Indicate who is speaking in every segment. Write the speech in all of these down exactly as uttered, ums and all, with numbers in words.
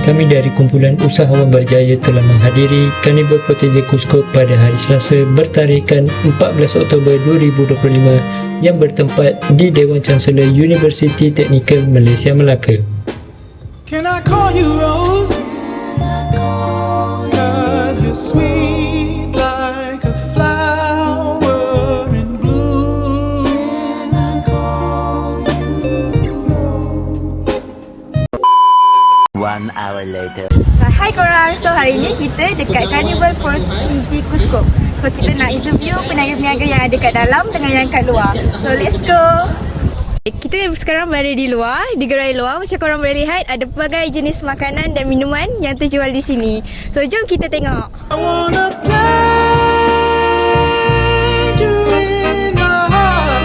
Speaker 1: kami dari kumpulan usahawan berjaya telah menghadiri Carnival Protege Kuskop pada hari Selasa bertarikan empat belas Oktober dua ribu dua puluh lima yang bertempat di Dewan Chancellor Universiti Teknikal Malaysia Melaka.
Speaker 2: Can I call you Rose? Cause you're sweet like a flower in bloom. Can I call you Rose?
Speaker 3: One hour later.
Speaker 4: Hai korang, so hari ni kita dekat Carnival Protege Kuskop. So kita nak interview peniaga-peniaga yang ada kat dalam dengan yang kat luar. So let's go. Kita sekarang berada di luar, di gerai luar. Macam korang boleh lihat, ada pelbagai jenis makanan dan minuman yang terjual di sini. So jom kita tengok.
Speaker 2: I wanna plant you in my heart.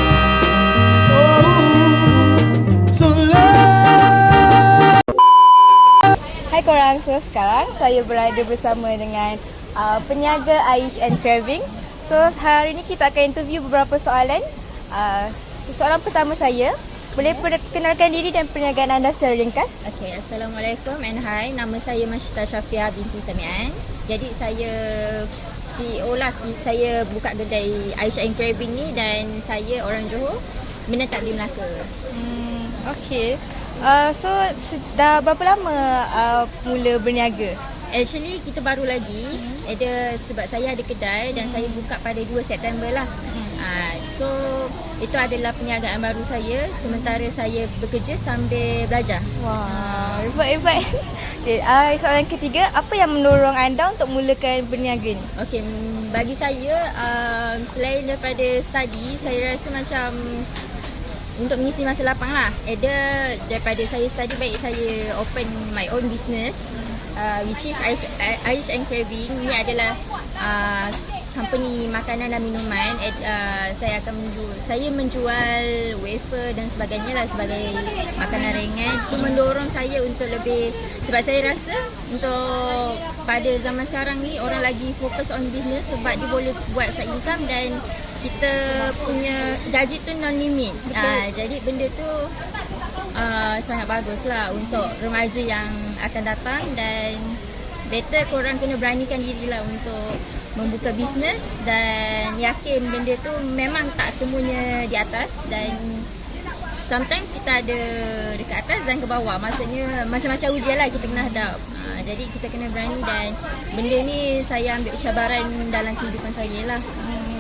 Speaker 2: Oh, so let.
Speaker 4: Hai korang, so sekarang saya berada bersama dengan uh, peniaga Aish and Craving. So hari ni kita akan interview beberapa soalan. uh, Soalan pertama saya, boleh perkenalkan diri dan perniagaan anda secara ringkas?
Speaker 5: Okay, Assalamualaikum and hi. Nama saya Mashita Syafiah binti Samian. Jadi saya C E O lah. Saya buka kedai Aish and Craving ni dan saya orang Johor, menetap di Melaka.
Speaker 4: Hmm, okay. Uh, so dah berapa lama uh, mula berniaga?
Speaker 5: Actually kita baru lagi. Hmm. Ada sebab saya ada kedai dan hmm. saya buka pada dua September lah. Hmm. Uh, so itu adalah perniagaan baru saya sementara saya bekerja sambil belajar.
Speaker 4: Wah, hebat-hebat. Okay, uh, soalan ketiga, apa yang mendorong anda untuk mulakan berniaga ni?
Speaker 5: Okey, bagi saya um, selain daripada study, saya rasa macam untuk mengisi masa lapang lah. Either daripada saya study, baik saya open my own business, uh, which is Aish, Aish and Craving. Ini adalah uh, company makanan dan minuman. Uh, saya akan menjual, saya menjual wafer dan sebagainya lah sebagai makanan ringan. Itu mendorong saya untuk lebih, sebab saya rasa untuk pada zaman sekarang ni orang lagi fokus on business sebab dia boleh buat side income dan kita punya gaji tu non limit. Uh, jadi benda tu uh, sangat bagus lah untuk remaja yang akan datang dan better korang kena beranikan diri lah untuk membuka bisnes dan yakin benda tu memang tak semuanya di atas dan sometimes kita ada dekat atas dan ke bawah. Maksudnya macam-macam ujian lah kita kena hadap. Ha, jadi kita kena berani dan benda ni saya ambil cabaran dalam kehidupan saya lah. Hmm.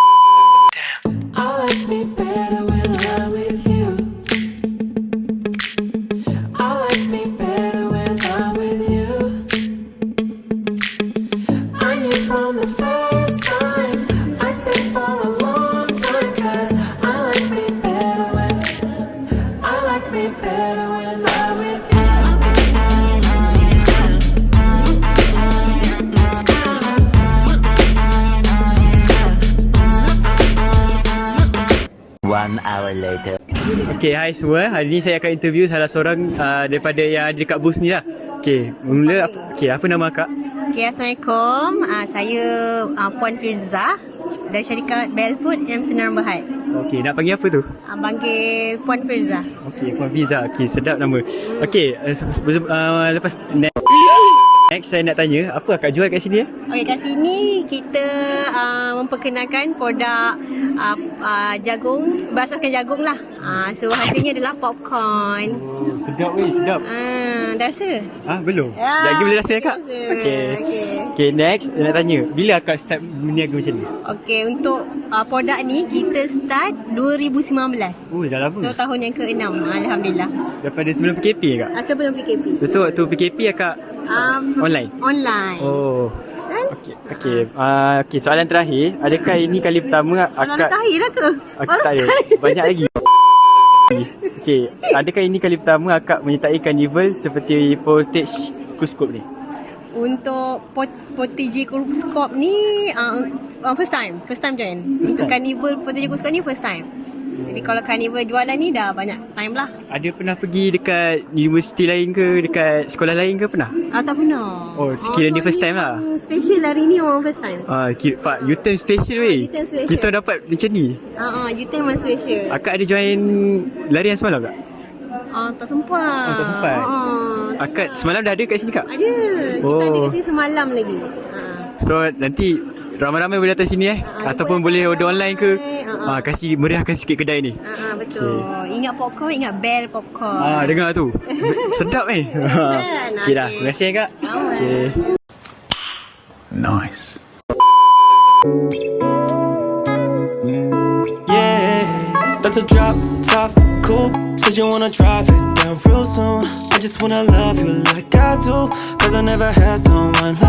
Speaker 2: I like me better when I'm with you. I like me better when I'm with you. I knew from the first time I'd stay for a long time. Cause I like me better when I like me better when I'm with you.
Speaker 3: One hour later.
Speaker 6: Okay, hai semua. Hari ni saya akan interview salah seorang uh, daripada yang ada dekat booth ni lah. Okay, mula apa, okay, apa nama akak?
Speaker 7: Okay, Assalamualaikum. Uh, saya uh, Puan Firza dari syarikat Belfood M Senaran Berhad.
Speaker 6: Okay, nak panggil apa tu?
Speaker 7: Uh, panggil Puan Firza.
Speaker 6: Okay, Puan Firza. Okay, sedap nama. Okay, uh, uh, lepas next, next saya nak tanya, apa akak jual kat sini ya?
Speaker 7: Okay, kat sini kita uh, memperkenalkan produk uh, uh, jagung, berasaskan jagung lah. Uh, so hasilnya adalah popcorn.
Speaker 6: Oh, sedap weh, sedap.
Speaker 7: Uh, dah rasa?
Speaker 6: Ah, belum?
Speaker 7: Ya,
Speaker 6: Lagi boleh rasa akak?
Speaker 7: rasa.
Speaker 6: Okay.
Speaker 7: Okay.
Speaker 6: Okay, next saya nak tanya, bila akak start berniaga macam ni?
Speaker 7: Okay, untuk uh, produk ni kita start dua ribu sembilan belas.
Speaker 6: Oh, dah lama.
Speaker 7: So tahun yang keenam, Alhamdulillah.
Speaker 6: Daripada sebelum P K P kak?
Speaker 7: Uh, sebelum P K P.
Speaker 6: Betul, waktu P K P akak
Speaker 7: Um,
Speaker 6: online?
Speaker 7: Online.
Speaker 6: Oh. Okey, okey. Uh, okey, soalan terakhir, adakah ini kali pertama
Speaker 7: Akak
Speaker 6: akak
Speaker 7: kahir lah ke?
Speaker 6: Akak tak ada. Banyak lagi. Okey, adakah ini kali pertama akak menyertai karnival seperti Protege Kuskop ni?
Speaker 7: Untuk Protege Kuskop ni uh, uh, first time, first time join.
Speaker 6: First
Speaker 7: Untuk
Speaker 6: time?
Speaker 7: Carnival Protege Kuskop ni first time. Tapi kalau Carnival jualan ni dah banyak time lah.
Speaker 6: Ada pernah pergi dekat universiti lain ke, dekat sekolah lain ke pernah?
Speaker 7: Ah, tak pernah.
Speaker 6: Oh, sekiranya ni first time lah.
Speaker 7: Special hari ni orang first time.
Speaker 6: Ah, kira, Pak, U-turn special weh.
Speaker 7: U-turn special.
Speaker 6: Kita dapat macam ni.
Speaker 7: Ah, uh, U-turn memang special.
Speaker 6: Akak ada join larian semalam tak?
Speaker 7: Ah, tak sempat.
Speaker 6: Oh, tak sempat?
Speaker 7: Ah,
Speaker 6: Akad semalam dah ada kat sini, Kak?
Speaker 7: ada. Kita
Speaker 6: Oh.
Speaker 7: ada kat sini semalam lagi. Ah.
Speaker 6: So nanti ramai-ramai boleh datang sini eh,
Speaker 7: Ah,
Speaker 6: ataupun
Speaker 7: boleh
Speaker 6: boleh order
Speaker 7: datang
Speaker 6: online ke.
Speaker 7: online. Ah,
Speaker 6: Ah, kasih meriahkan sikit kedai ni.
Speaker 7: Ah, ah, betul. Ingat popcorn, ingat bell popcorn.
Speaker 6: Ah, dengar tu. Sedap eh.
Speaker 7: Kan?
Speaker 6: Okey dah.
Speaker 7: Okey.
Speaker 6: Terima kasih eh, Kak.
Speaker 7: Sama.
Speaker 6: Okey.
Speaker 8: Nice.
Speaker 2: Yeah, that's a drop top cool. Said you wanna drive it down real soon. I just wanna love you like I do, cause I never had someone like